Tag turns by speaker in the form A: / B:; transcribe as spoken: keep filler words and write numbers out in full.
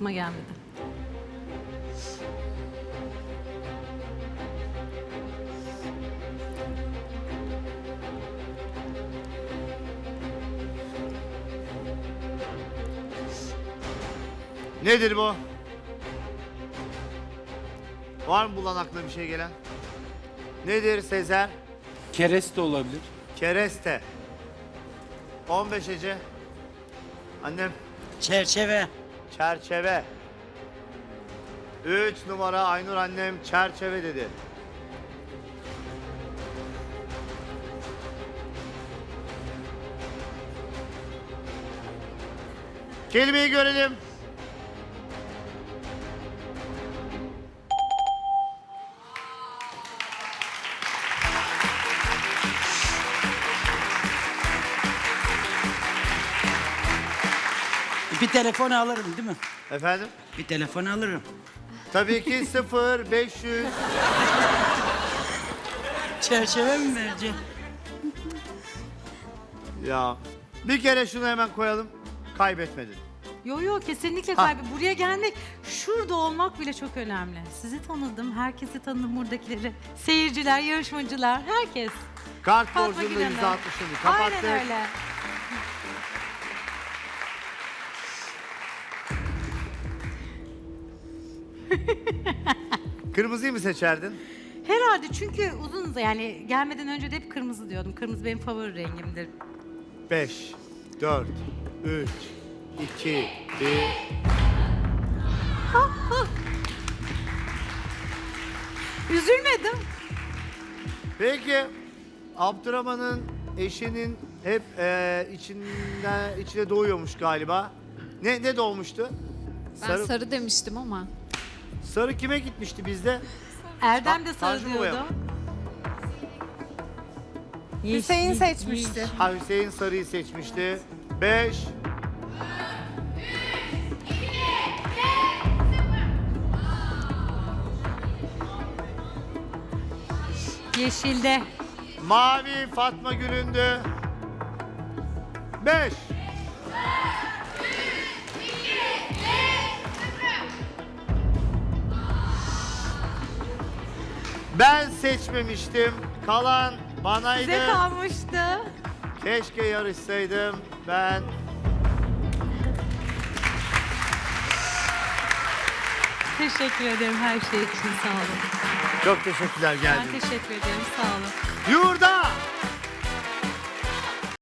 A: aklıma gelmedi.
B: Nedir bu? Var mı bulan aklına bir şey gelen? Nedir Sezer?
C: Kereste olabilir.
B: Kereste. on beş Ece. Annem.
D: Çerçeve.
B: Çerçeve. üç numara Aynur annem çerçeve dedi. Kelimeyi görelim.
D: Bir telefon alırım değil mi?
B: Efendim?
D: Bir telefon alırım.
B: Tabii ki sıfır beş yüz.
D: Çerçeve mi vereceğim?
B: Ya bir kere şunu hemen koyalım. Kaybetmedin.
A: Yo yo kesinlikle
B: Ha.
A: kaybı. Buraya gelmek, şurada olmak bile çok önemli. Sizi tanıdım, herkesi tanıdım buradakileri. Seyirciler, yarışmacılar, herkes.
B: Kart
A: Fatma
B: borcunda
A: Gülen'e.
B: yüzde altmışını kapattık.
A: Aynen öyle.
B: Kırmızıyı mı seçerdin?
A: Herhalde çünkü uzun yani gelmeden önce de hep kırmızı diyordum. Kırmızı benim favori rengimdir.
B: beş, dört, üç, iki, bir.
A: Üzülmedim.
B: Peki Abdurrahman'ın eşinin hep eee içinden içine doğuyormuş galiba. Ne ne doğmuştu?
E: Ben
B: Sarı,
E: sarı, demiştim ama.
B: sarı kime gitmişti bizde?
A: Erdem de
B: Ta-
A: sarı
B: Tanju Baba'ya
A: diyordu.
B: mı?
F: Hüseyin seçmişti.
B: Ha, Hüseyin sarıyı seçmişti. Beş.
A: Yeşilde.
B: Mavi Fatma Gül'ündü. Beş. Ben seçmemiştim. Kalan banaydı.
A: Size kalmıştı.
B: Keşke yarışsaydım. Ben
A: Teşekkür ederim her şey için sağ olun.
B: çok teşekkürler
A: Ben
B: geldiniz.
A: teşekkür ederim sağ olun.
B: Yurda